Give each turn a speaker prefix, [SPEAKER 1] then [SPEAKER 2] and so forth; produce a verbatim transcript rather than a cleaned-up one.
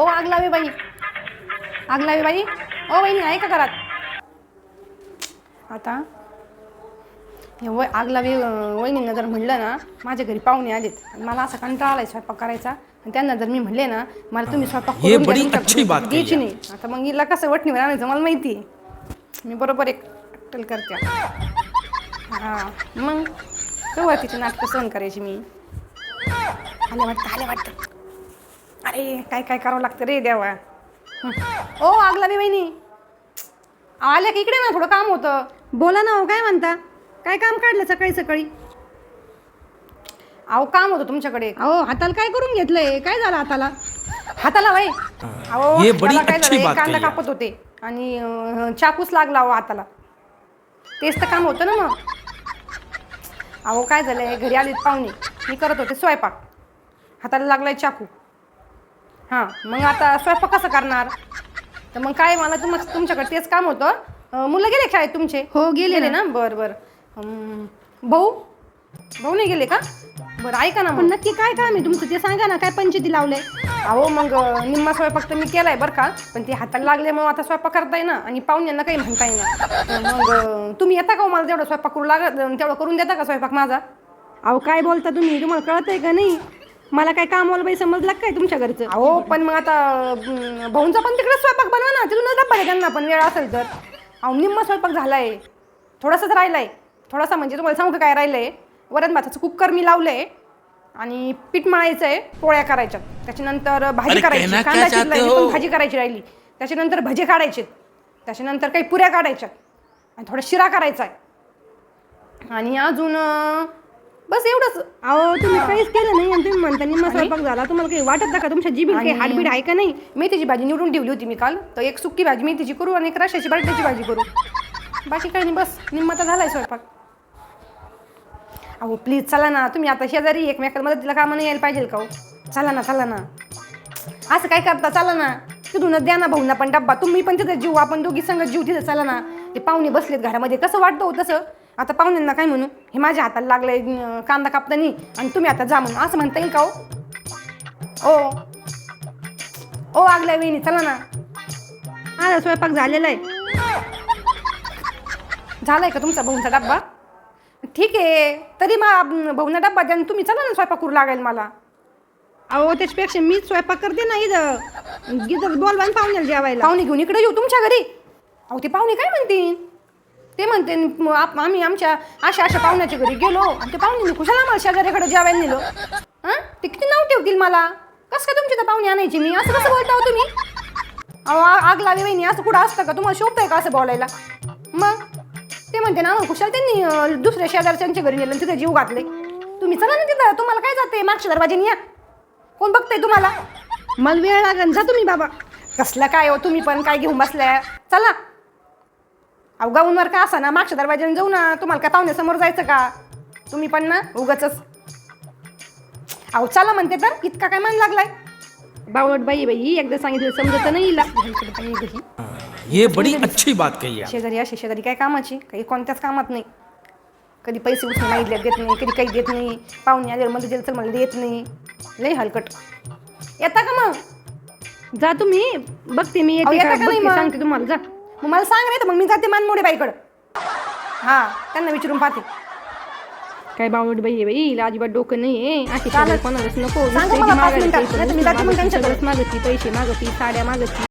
[SPEAKER 1] ओ आग लावे बाई, आग लावे बाई. ओ वहिनी आहे का घरात? आता व आग लावे वहिनींना जर म्हणलं ना माझ्या घरी पाहुणे आलेत आणि मला असा कंटाळा आलाय स्वयंपाक करायचा आणि त्यांना जर मी म्हणले ना मला तुम्ही स्वयंपाक करून द्या, तुमच्या घरी द्यायची नाही. आता मग हिला कसं वटणीवर आणायचं मला माहिती आहे. मी बरोबर एक अट्टल करते. हां मग सुरुवातीची नाटकं सहन करायची मी. आले वाटतं आले वाटतं. अरे काय काय करावं लागतं रे देवा. ओ आग लावे वहिनी आल्या की इकडे ना, थोडं काम होतं.
[SPEAKER 2] बोला ना. हो काय म्हणता? काय काम काढलं सकाळी सकाळी?
[SPEAKER 1] अहो काम होतं तुमच्याकडे.
[SPEAKER 2] अहो हाताला काय करून घेतलंय? काय झालं हाताला?
[SPEAKER 1] हाताला बाई अहो हाताला काय झालं, कांदा कापत होते आणि अं, चाकूच लागला अहो हाताला. तेच तर काम होतं ना मग. अहो काय झालंय, घरी आलीत पाहुणे, मी करत होते स्वयंपाक, हाताला लागलाय चाकू. हां मग आता स्वयंपाक कसं करणार? तर मग काय मला तुम तुमच्याकडे तेच काम होतं. अं, मुलं गेले शाळेत तुमचे?
[SPEAKER 2] हो गेले
[SPEAKER 1] ना. बरं बरं. अं, भाऊ भाऊ नाही गेले का? बरं ऐका ना
[SPEAKER 2] पण
[SPEAKER 1] मग.
[SPEAKER 2] नक्की काय काम आहे तुमचं ते सांगा ना. काय पंचायती लावलंय?
[SPEAKER 1] अहो मग निम्मा स्वयंपाक तर मी केलाय बरं का, पण ते हाताला लागल्यामुळे आता स्वयंपाक करता येईना आणि पाहुण्यांना काही म्हणता येईना. मग तुम्ही येता का मला तेवढं स्वयंपाक करू लागत तेवढं करून देता का स्वयंपाक माझा?
[SPEAKER 2] अहो काय बोलता तुम्ही? तुम्हाला कळतंय का नाही? मला काय कामवाला बाई समजलं काय तुमच्या घरचं?
[SPEAKER 1] अहो पण मग आता अं, भाऊंचा पण तिकडे स्वयंपाक बनवा ना, तिथूनच डब्बा आहे त्यांना पण वेळ असेल तर. अहो निम्मा स्वयंपाक झालाय, थोडासाच राहिलाय. थोडासा म्हणजे तुम्हाला सांगू का काय राहिलंय, वरण भाताचं कुकर मी लावलंय आणि पीठ मळायचं आहे, पोळ्या करायच्या, त्याच्यानंतर भाजी करायची, कांदा चिरलाय पण भाजी करायची राहिली, त्याच्यानंतर भजे काढायचे, त्याच्यानंतर काही पुऱ्या काढायच्या आणि थोडा शिरा करायचा आहे आणि अजून बस एवढंच.
[SPEAKER 2] अहो तुम्ही काहीच केलं नाही आणि तुम्ही म्हणता निम्मा स्वयंपाक झाला. तुम्हाला काही वाटत का तुमच्या जीबीत काही हाडबीड आहे का नाही?
[SPEAKER 1] मेथीची भाजी निवडून ठेवली होती मी काल, तर एक सुकी भाजी मेथीची करू आणि एक रशाची बटाट्याची भाजी करू, बाकी काही नाही. बस निम्मा तर झालाय स्वयंपाक. अहो प्लीज चला ना, तुम्ही आता शेजारी एकमेकाला मदतीला कामानं यायला पाहिजे का हो? चला ना चला ना, असं काय करता? चला ना, तिथूनच द्या ना भाऊंना पण डब्बा, तुम्ही पण तिथं जीव, आपण दोघी संगत जीव तिथं. चला ना, ते पाहुणे बसलेत घरामध्ये, कसं वाटतं हो तसं? आता पाहुण्यांना काय म्हणू, हे माझ्या हाताला लागलंय कांदा कापतानी आणि तुम्ही आता जा म्हणून असं म्हणता येईल का हो? ओ ओ आगल्या वेणी चला ना.
[SPEAKER 2] माझा स्वयंपाक झालेला आहे.
[SPEAKER 1] झालाय का तुमचा भाऊंचा डब्बा? ठीक आहे, तरी मग भाऊंना डब्बा द्या, तुम्ही चला ना स्वयंपाक करू लागेल मला.
[SPEAKER 2] अहो त्याच्यापेक्षा मीच स्वयंपाक करते ना इथं. गिजर बोलवा ना पाहुण्याला जेवायला.
[SPEAKER 1] पाहुणे घेऊन इकडे येऊ तुमच्या घरी? अहो ते पाहुणे काय म्हणतील? ते म्हणते आम्ही आमच्या अशा अशा पाहुण्याच्या घरी गेलो आणि ते पाहुणे कुशाला आम्हाला शेजाऱ्याकडे जेवायला नेलो. हां ते किती नाव ठेवतील मला. कसं काय तुमची तर पाहुणे आणायची मी? असं कसं बोलता हो तुम्ही? अहो आग लावी वहिनी, असं कुठं असतं का? तुम्हाला शोभतंय का असं बोलायला? मग ते म्हणते ना आम्हाला कुशाला त्यांनी दुसऱ्या शेजारच्यांच्या घरी नेलं तिथे जीव घातले. तुम्ही चला ना तिथं, तुम्हाला काय जाते मागच्या दरवाजेने या. कोण बघतंय तुम्हाला?
[SPEAKER 2] मला वेळ लागेल, जा तुम्ही बाबा.
[SPEAKER 1] कसलं काय हो तुम्ही पण काय घेऊन बसल्या? चला. अहो गाऊनवर का असा ना, मागच्या दरवाजाने जाऊ ना, तुम्हाला काय पाहुण्यासमोर जायचं का? तुम्ही पण ना उगाचच. अहो चला म्हणते तर इतका काय मान लागलाय?
[SPEAKER 2] बावळट बाई बाई, एकदा सांगितलं समजत नाही हिला.
[SPEAKER 3] ये बड़ी अच्छी बात कही है.
[SPEAKER 1] शेजारी अशी शेजारी काय कामाची? काही कोणत्याच कामात नाही. कधी पैसे उचलून मागितले देत नाही, कधी काही देत नाही. पाहुणे आले मध्ये दिलं तर मला देत नाही. लई हलकट. येता का मग?
[SPEAKER 2] जा तुम्ही, बघते मी येते का बघते, सांगते तुम्हाला. जा
[SPEAKER 1] मग मला सांग नाही तर मग मी जाते मानमोडे बाईकडं. हां त्यांना विचारून पाहते.
[SPEAKER 2] काय बावळट बाई आहे बाई, हिला अजिबात डोकं नाही आहे. अशी कोणालाच नको.
[SPEAKER 1] सांगा मला पाच मिनिटात, नाही तर मी जाते मग त्यांच्याकडे.
[SPEAKER 2] मागती पैसे मागती, साड्या मागती.